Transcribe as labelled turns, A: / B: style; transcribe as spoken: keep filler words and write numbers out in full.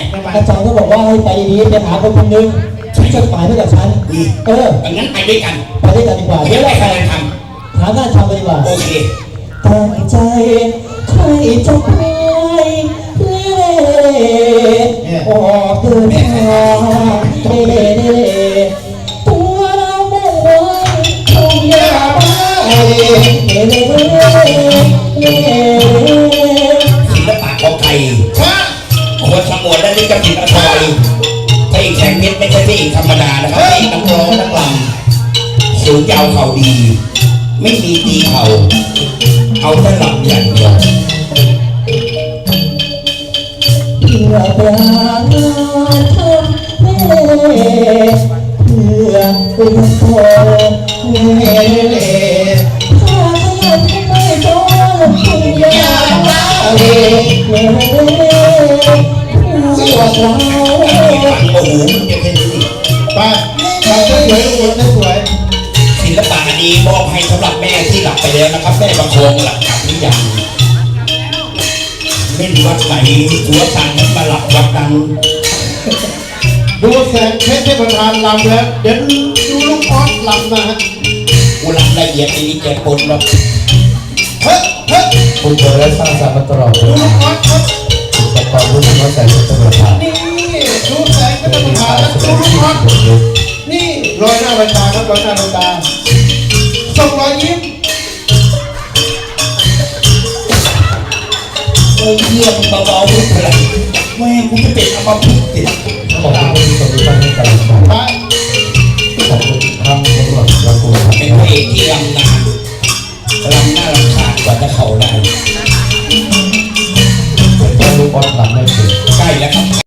A: อาจารย์ก็บอกว่าให้ไปดีๆไปหาคนคนหนึ่งช่วยจดหมายให้กับฉันเออ
B: งั้นไปด้วยกัน
A: ไปด้วยกันดีกว่าเดี๋ยวเราไป
B: ทำ
A: หางานทำกันดีกว่า
B: โอเค
A: ตั้งใจใครจะไปเล่ออกเดินทางเล่เล่ตัวเราไม่ไหวคงยาบ้าเล่เล่เล่เล่
B: ศิลปะของไทยคนสงวนและลิขสิทธิ์อภัยพระเอกแสงเพชรไม่ใช่พระเอกธรรมดานะครับพระเอกนักร้องนักรำสูงยาวเข่าดีไม่มีตีเข่าเอาแต่หลับอย่างเดียว
A: เพื่อปราณทำเล่เพื่อเปลี่ยนโทษเล่เล่ถ้าขยันไม่โดนคงยาบ้าเล่เล่เล่พวกเรา
B: โอ้โหมันจะเป็นสิ
C: ไปไปสวยๆลูกสวย
B: ศิลปะนี้มอบให้สำหรับแม่ที่หลับไปแล้วนะครับแม่ประคองหลับกลับหรือยังเล่นวัดไหนหัวสั่งให้มาหลับวัดนั้น
C: ดูแสงเพชรเทพทานลำแล้วเดี๋ยวดูลูกออสลำนะฮะ
B: กูลำละเอียดในนี้แกปนหรอก
C: เฮ้ยเฮ้ย
A: คุณเจอและสร้างสรรค์มาตลอด
C: ดูลูกออสครับ
A: แต่ก่อนรู้สึกว่าแสงเพชรเทพทาน
C: นี่ดูแสงเพชรเทพทานแล้วดูลูกออสนี่รอยหน้าใบตาครับรอยหน้าใบตาส่งรอยยิ้ม
B: เอ้ยเยี่ยมเบาๆด้วยเถอะแม่กูจะเป็นอัมพฤกษ์ติด
A: ขอบคุณที่ส่งมาให้การฟังขอบคุณครับตำรวจระกูล
B: เป็นพระเอกที่รำนานรำหน้ารำคาญกว่าจะเข่าได้
A: เป็นลูกบอลหลังไม่ถึง
B: ใกล้แล้ว